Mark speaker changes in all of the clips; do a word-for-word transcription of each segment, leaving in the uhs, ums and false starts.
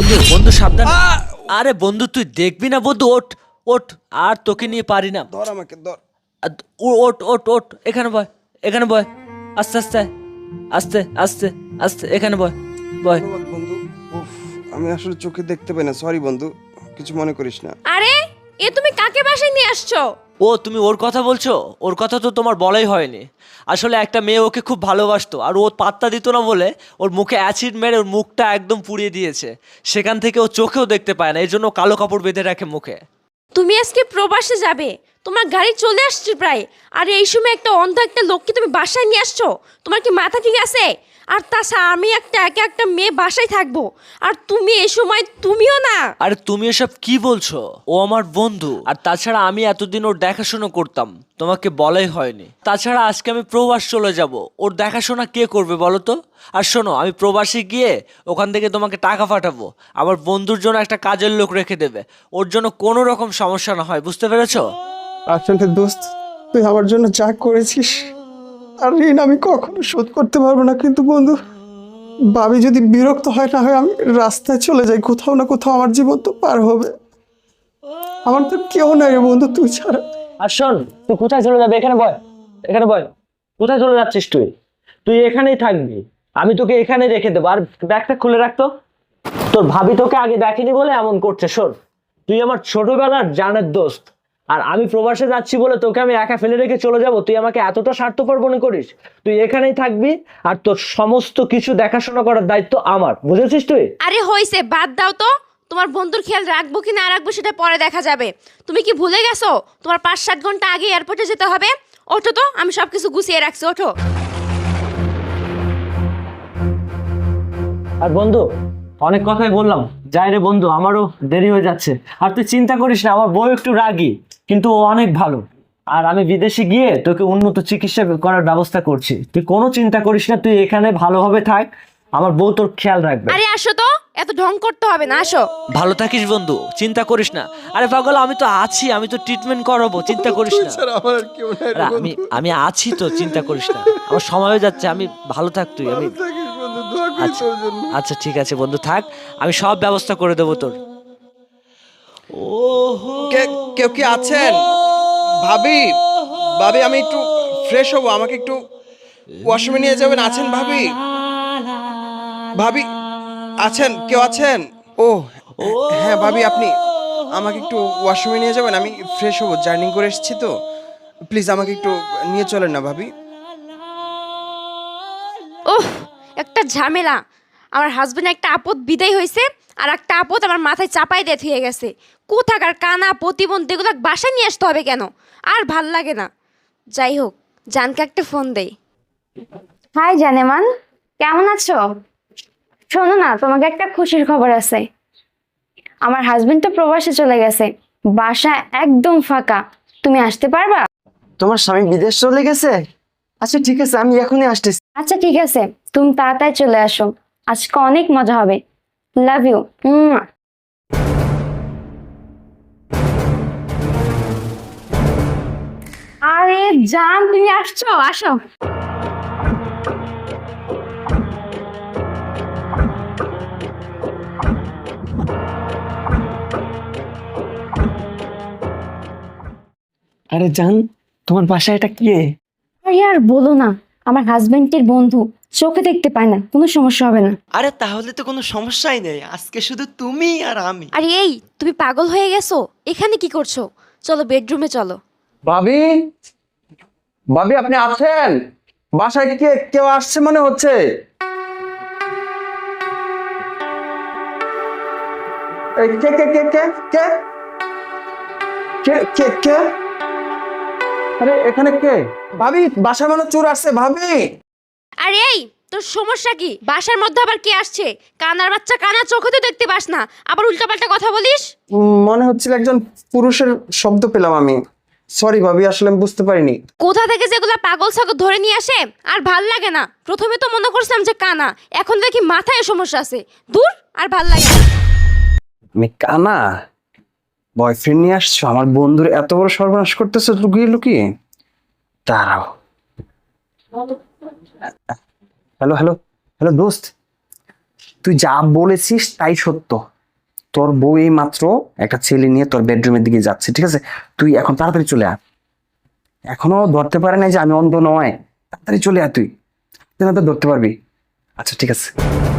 Speaker 1: বন্ধু বন্ধু সাবধান। আরে বন্ধু তুই দেখবি না বন্ধু, ওঠ ওঠ, আর তোকে নিয়ে পারি না।
Speaker 2: ধর আমাকে ধর।
Speaker 1: আর ও- ওঠ ওঠ ওঠ, এখানে বয়, এখানে বয়, আস্তে আস্তে আস্তে আস্তে আস্তে, এখানে বয় বয়।
Speaker 2: ধন্যবাদ বন্ধু। উফ, আমি আসলে চোখে দেখতে পাই না, সরি বন্ধু, কিছু মনে করিস না।
Speaker 3: আরে এ তুমি কাকে বাসায় নিয়ে আসছো?
Speaker 1: ও তুমি ওর কথা বলছো? ওর কথা তো তোমার বলাই হয়নি। আসলে একটা মেয়ে ওকে খুব ভালোবাসতো, আর ও পাত্তা দিত না বলে ওর মুখে অ্যাসিড মেরে ওর মুখটা একদম পুড়িয়ে দিয়েছে। সেখান থেকে ও চোখেও দেখতে পায় না, এই জন্য ও কালো কাপড় বেঁধে রাখে মুখে।
Speaker 3: তুমি আজকে প্রবাসে যাবে, তোমার গাড়ি চলে আসছে প্রায়, আর এই সময় একটা অন্ধ একটা লোককে তুমি বাসায় নিয়ে আসছো? তোমার কি মাথা ঠিক আছে? আর তাছাড়া আমি একটা একা একটা মেয়ে বাসায় থাকবো, আর তুমি এই সময় তুমিও না।
Speaker 1: আরে তুমি এসব কি বলছো? ও আমার বন্ধু, আর তাছাড়া আমি এতদিন ওর দেখাশোনা করতাম, তোমাকে বলাই হয়নি। তাছাড়া আজকে আমি প্রবাস চলে যাব, ওর দেখাশোনা কে করবে বলো তো? আর শোনো, আমি প্রবাসে গিয়ে ওখান থেকে তোমাকে টাকা পাঠাবো, আমার বন্ধুর জন্য একটা কাজের লোক রেখে দেবে, ওর জন্য কোনো রকম সমস্যা না হয়, বুঝতে পেরেছো?
Speaker 2: আসলে দোস্ত, তুই আমার জন্য যা করেছিস আর ঋণ আমি কখনো শোধ করতে পারবো না, কিন্তু বন্ধু ভাবি যদি বিরক্ত হয়, না হয় আমি রাস্তায় চলে যাই, কোথাও না কোথাও আমার জীবন তো পার হবে। আমার তো কেউ নাই রে বন্ধু, তুই ছাড়া।
Speaker 1: আর শোন, তুই কোথায় চলে যাবে? এখানে বয়, এখানে বয়। কোথায় চলে যাচ্ছিস তুই? তুই এখানেই থাকবি, আমি তোকে এখানে রেখে দেবো। আর ব্যাগটা খুলে রাখতো, তোর ভাবি তোকে আগে দেখেনি বলে এমন করছে। শোন, তুই আমার ছোটবেলার জানের দোস্ত, আর আমি প্রবাসে যাচ্ছি বলে তোকে আমি একা ফেলে রেখে চলে যাব? তুই আমাকে এতটা স্বার্থপর মনে করিস? তুই এখানেই থাকবি, আর তোর সমস্ত কিছু দেখাশোনা করার দায়িত্ব আমার, বুঝেছিস তুই?
Speaker 3: আরে হইছে, বাদ দাও তো। তোমার বন্ধুর খেয়াল রাখবো কি না রাখবো সেটা পরে দেখা যাবে। তুমি কি ভুলে গেছো তোমার পাঁচ সাত ঘন্টা আগে এয়ারপোর্টে যেতে হবে? ওঠো তো, আমি সব কিছু গুছিয়ে রাখছি, ওঠো।
Speaker 1: আর বন্ধু, অনেক কথাই বললাম, যাই রে বন্ধু, আমারও দেরি হয়ে যাচ্ছে। আর তুই চিন্তা করিস না, আমার বউ একটু রাগী, কিন্তু ও অনেক ভালো। আর আমি বিদেশে গিয়ে তোকে উন্নত চিকিৎসা করার ব্যবস্থা করছি, তুই কোনো চিন্তা করিস না, তুই এখানে ভালোভাবে থাক, আমার বউ তোর খেয়াল রাখবে।
Speaker 3: আরে আসো তো, এত ঢং করতে হবে না, আসো।
Speaker 1: ভালো থাকিস বন্ধু, চিন্তা করিস না। আরে পাগল, আমি তো আছি, আমি তো ট্রিটমেন্ট করাবো, চিন্তা করিস
Speaker 2: তুই
Speaker 1: না।
Speaker 2: ছাড়া আমার আর কেউ নাই রে
Speaker 1: আরে আমি
Speaker 2: বন্ধু।
Speaker 1: আমি আছি তো, চিন্তা করিস না, আমার সময় হয়ে যাচ্ছে, আমি ভালো থাক তুই। আমি
Speaker 2: ভালো থাকিস বন্ধু, দোয়া করি
Speaker 1: আচ্ছা
Speaker 2: তোর জন্য।
Speaker 1: আচ্ছা ঠিক আছে বন্ধু, থাক, আমি সব ব্যবস্থা করে দেবো তোর।
Speaker 2: কে- কেউ কি আছেন? ভাবি, ভাবি আমি একটু ফ্রেশ হবো, আমাকে একটু ওয়াশরুমে নিয়ে যাবেন? আছেন ভাবি? ভাবি আছেন? কেউ আছেন? ও হ্যাঁ ভাবি, আপনি আমাকে একটু ওয়াশরুমে নিয়ে যাবেন, আমি ফ্রেশ হবো, জার্নি করে এসেছি তো, প্লিজ আমাকে একটু নিয়ে চলেন না ভাবি।
Speaker 3: ওহ, একটা ঝামেলা। আমার হাজবেন্ড একটা আপদ বিদায় হয়েছে, আর একটা আপদ আমার মাথায় চাপাই দিয়ে থুয়ে গেছে। কোথাকার কানা প্রতিবন্ধী এগুলো বাসায় নিয়ে আসতে হবে কেন? আর ভাল লাগে না। যাই হোক, জানকে একটা ফোন দেই।
Speaker 4: হাই জানেমান, কেমন আছো? শোনো না, তোমাকে একটা খুশির খবর আছে। আমার হাজবেন্ড তো প্রবাসে চলে গেছে, বাসা একদম ফাঁকা। তুমি আসতে পারবা?
Speaker 5: তোমার স্বামী বিদেশ চলে গেছে? আচ্ছা ঠিক আছে, আমি এখনই আসতেছি।
Speaker 4: আচ্ছা ঠিক আছে, তুমি তাড়াতাড়ি চলে আসো, আজকে অনেক মজা হবে। Love you. আরে জান, তুমি আসছো, আসো।
Speaker 5: আরে জান, তোমার বাসায় এটা কে?
Speaker 4: আরে আর বলো না, আমার হাজবেন্ডের বন্ধু, চোখে দেখতে পায় না, কোনো সমস্যা হবে না।
Speaker 5: আরে তাহলে তো কোনো সমস্যাই নেই, আজকে শুধু তুমি আর আমি।
Speaker 3: আরে এই, তুমি পাগল হয়ে গেছো? এখানে কি করছো? চলো বেডরুমে চলো।
Speaker 2: ভাবি, ভাবি আপনি আছেন? বাসায় কে কেউ আসছে মনে হচ্ছে। এই কে কে কে কে কে কে কে কে আরে এখানে কে? ভাবি বাসায় মনে হয় চোর আসছে ভাবি।
Speaker 3: আরে এই, তোর সমস্যা কি? বাসার মধ্যে আবার কে আসছে? কানার বাচ্চা, কানা চোখে তো দেখতে পাস না, আবার উল্টাপাল্টা কথা বলিস।
Speaker 2: উম, মনে হচ্ছিল একজন পুরুষের শব্দ পেলাম আমি, সরি ভাবি, আসলে আমি বুঝতে পারিনি।
Speaker 3: কোথা থেকে যেগুলা পাগল ছাগল ধরে নিয়ে আসে, আর ভাল লাগে না। প্রথমে তো মনে করছিলাম যে কানা, এখন দেখি মাথায় সমস্যা আছে। দূর, আর ভাল লাগে না।
Speaker 2: আমি কানা? বয়ফ্রেন্ড নিয়ে আসছো? আমার বন্ধুর এত বড় সর্বনাশ করতেছো লুকিয়ে লুকিয়ে? দাঁড়াও। হ্যালো হ্যালো হ্যালো দোস্ত, তুই যা বলেছিস তাই সত্য।
Speaker 6: তোর বউ এই মাত্র একটা ছেলে নিয়ে তোর বেডরুমের দিকে যাচ্ছে, ঠিক আছে? তুই এখন তাড়াতাড়ি চলে আয়। এখনো ধরতে পারে নাই যে আমি অন্ধ নয়, তাড়াতাড়ি চলে আয়, তুই না তো ধরতে পারবি। আচ্ছা ঠিক আছে।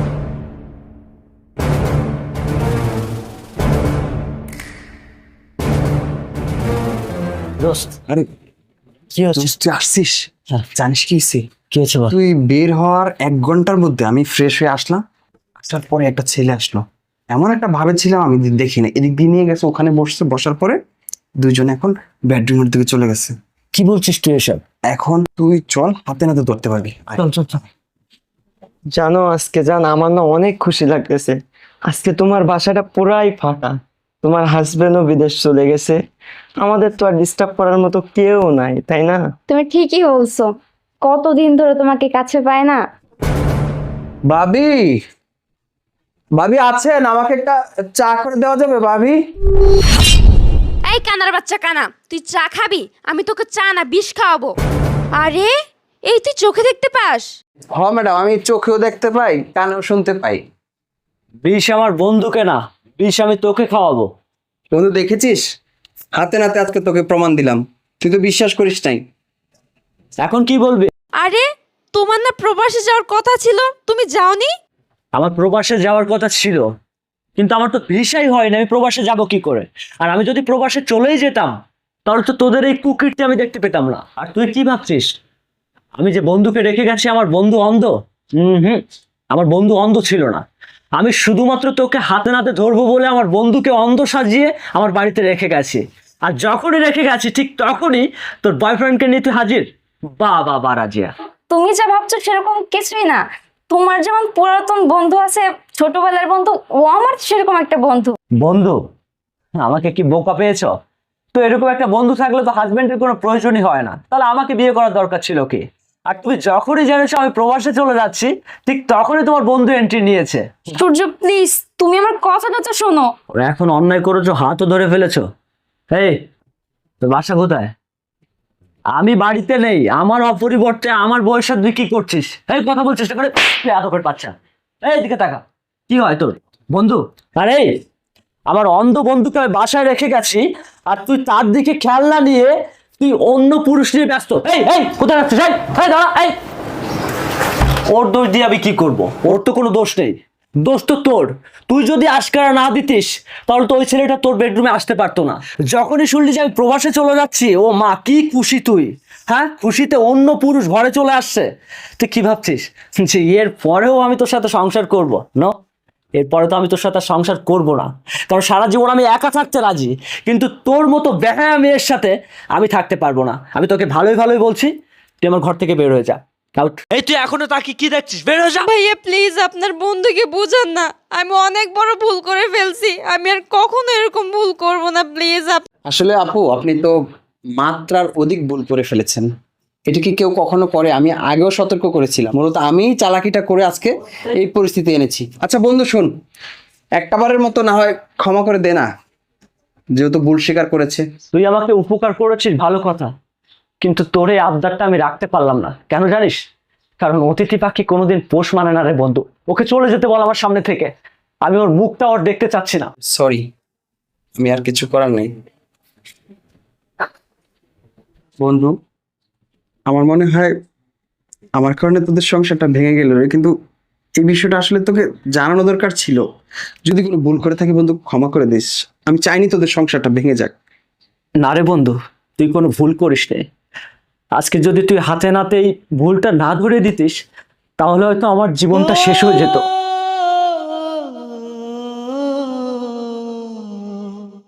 Speaker 1: দোস্ত,
Speaker 6: আরে
Speaker 1: কি হচ্ছে?
Speaker 6: দোস্ত, তুই আসছিস?
Speaker 1: হ্যাঁ।
Speaker 6: জানিস কি হয়েছে?
Speaker 1: কি হচ্ছে বল?
Speaker 6: তুই বের হওয়ার এক ঘন্টার মধ্যে আমি ফ্রেশ হয়ে আসলাম, আসার পরে একটা ছেলে আসলো, এমন একটা ভাবে ছিলাম আমি দেখি না, এদিক দিয়ে নিয়ে গেছে, ওখানে বসছে, বসার পরে দুইজনে এখন বেডরুমের দিকে চলে গেছে।
Speaker 1: কি বলছিস তুই এসব?
Speaker 6: এখন তুই চল, হাতে নাতে ধরতে পারবি। আয়।
Speaker 1: চল চল চল।
Speaker 5: জানো আজকে জান আমার না অনেক খুশি লাগতেছে। আজকে তোমার বাসাটা পুরাই ফাঁকা, তোমার হাজবেন্ডও বিদেশ চলে গেছে, আমাদের তো আর ডিস্টার্ব করার মতো কেউ নাই, তাই না?
Speaker 4: তুমি ঠিকই বলছো, কতদিন ধরে তোমাকে কাছে পায় না।
Speaker 2: ভাবি, ভাবি আছেন? আমাকে একটা চা করে দেওয়া যাবে ভাবি?
Speaker 3: এই কানার বাচ্চা কানা, তুই চা খাবি? আমি তোকে চা না বিষ খাওয়াবো। আরে এই তুই চোখে দেখতে পাস?
Speaker 2: হ ম্যাডাম, আমি চোখেও দেখতে পাই, কানেও শুনতে পাই।
Speaker 1: বিষ আমার বন্ধুকে না, বিষ আমি তোকে খাওয়াবো।
Speaker 2: বন্ধু দেখেছিস, হাতে নাতে আজকে তোকে প্রমাণ দিলাম, তুই তো বিশ্বাস করিস নাই।
Speaker 1: এখন কি বলবি?
Speaker 3: আরে তোমার না প্রবাসে যাওয়ার কথা ছিল, তুমি যাওনি?
Speaker 1: আমার প্রবাসে যাওয়ার কথা ছিল, কিন্তু আমার তো ভিসাই হয় না, আমি প্রবাসে যাব কি করে? আর আমি যদি প্রবাসে চলেই যেতাম তাহলে তো তোদের এই কুকিরটি আমি দেখতে পেতাম না। আর তুই কি ভাবছিস আমি যে বন্ধুকে রেখে গেছি আমার বন্ধু অন্ধ? হুম হুম আমার বন্ধু অন্ধ ছিল না, আমি শুধুমাত্র তোকে হাতে নাতে ধরবো বলে আমার বন্ধুকে অন্ধ সাজিয়ে আমার বাড়িতে রেখে গেছি। আর যখনই রেখে গেছি ঠিক তখনই তোর বয়ফ্রেন্ডকে নিয়ে তুই হাজির। বা বা বা রাজিয়া,
Speaker 4: তুমি যা ভাবছো সেরকম কিছুই না। তোমার যেমন পুরাতন বন্ধু আছে, ছোটবেলার বন্ধু, ও আমার সেরকম একটা বন্ধু।
Speaker 1: বন্ধু? আমাকে কি বোকা পেয়েছো? তো এরকম একটা বন্ধু থাকলে তো হাজবেন্ডের কোনো প্রয়োজনই হয় না, তাহলে আমাকে বিয়ে করার দরকার ছিল কি? আর তুমি যখনই জেনেছো আমি প্রবাসে চলে যাচ্ছি ঠিক তখনই তোমার বন্ধু এন্ট্রি নিয়েছে।
Speaker 4: সূর্য প্লিজ, তুমি আমার কথাটা তো শোনো।
Speaker 1: ওরা এখন অন্যায় করেছো, হাতও ধরে ফেলেছো। এই তোর বাসা কোথায়? আমি বাড়িতে নেই, আমার অপরিবর্তে আমার বয়সে তুই কি করছিস? এই কথা বলছিস চেষ্টা করে এত করে পাচ্ছা। এই দিকে তাকা, কি হয় তোর বন্ধু? আরে আমার অন্ধ বন্ধুকে আমি বাসায় রেখে গেছি আর তুই তার দিকে খেয়াল না নিয়ে তুই অন্য পুরুষ নিয়ে ব্যস্ত। এই এই কোথায় যাচ্ছিস? এই এই দাঁড়া, এই ওর দোষ দিয়ে আমি কি করব? ওর তো কোনো দোষ নেই, দোষ তো তোর। তুই যদি আশকারা না দিতিস তাহলে তো ওই ছেলেটা তোর বেডরুমে আসতে পারতো না। যখনই শুনলি যে আমি প্রবাসে চলে যাচ্ছি, ও মা কি খুশি তুই, হ্যাঁ? খুশিতে অন্য পুরুষ ঘরে চলে আসছে। তুই কি ভাবছিস যে এর পরেও আমি তোর সাথে সংসার করব? না, এরপরে তো আমি তোর সাথে সংসার করব না, কারণ সারা জীবন আমি একা থাকতে রাজি, কিন্তু তোর মতো বেহায়া মেয়ের সাথে আমি থাকতে পারবো না। আমি তোকে ভালোই ভালোই বলছি, তুই আমার ঘর থেকে বের হয়ে যা। আউট। এই তুই এখনো তাকে কি দেখছিস? বের হয়ে যা।
Speaker 3: ভাইয়া প্লিজ আপনার বন্ধুকে বোঝান না, আমি অনেক বড় ভুল করে ফেলছি, আমি আর কখনো এরকম ভুল করব না, প্লিজ।
Speaker 2: আসলে আপু, আপনি তো মাত্রার অধিক ভুল করে ফেলেছেন। এটা কি কেউ কখনো করে? আমি আগেও সতর্ক করেছিলাম, মূলত আমিই চালাকিটা করে আজকে এই পরিস্থিতি এনেছি। আচ্ছা বন্ধু শোন, একটাবারের মতো না হয় ক্ষমা করে দে না, যেহেতু ভুল স্বীকার করেছে।
Speaker 1: তুই আমাকে উপকার করেছিস ভালো কথা, কিন্তু তোর এই আবদারটা আমি রাখতে পারলাম না। কেন জানিস? কারণ অতিথি পাখি কোনোদিন পোষ মানে না রে বন্ধু। ওকে চলে যেতে বল আমার সামনে থেকে, আমি ওর মুখটা ওর দেখতে চাচ্ছি না।
Speaker 2: সরি, আমি আর কিছু করার নেই। বন্ধু, আমার মনে হয় আমার কারণে তোদের সংসারটা ভেঙে গেল রে, কিন্তু এই বিষয়টা আসলে তোকে জানানো দরকার ছিল। যদি কোনো ভুল করে থাকি বন্ধু, ক্ষমা করে দিস। আমি চাইনি তোদের সংসারটা ভেঙে যাক।
Speaker 1: না রে বন্ধু, তুই কোনো ভুল করিস নে। আজকে যদি তুই হাতে নাতে এই ভুলটা না ধরে দিতিস তাহলে হয়তো আমার জীবনটা শেষ হয়ে যেত।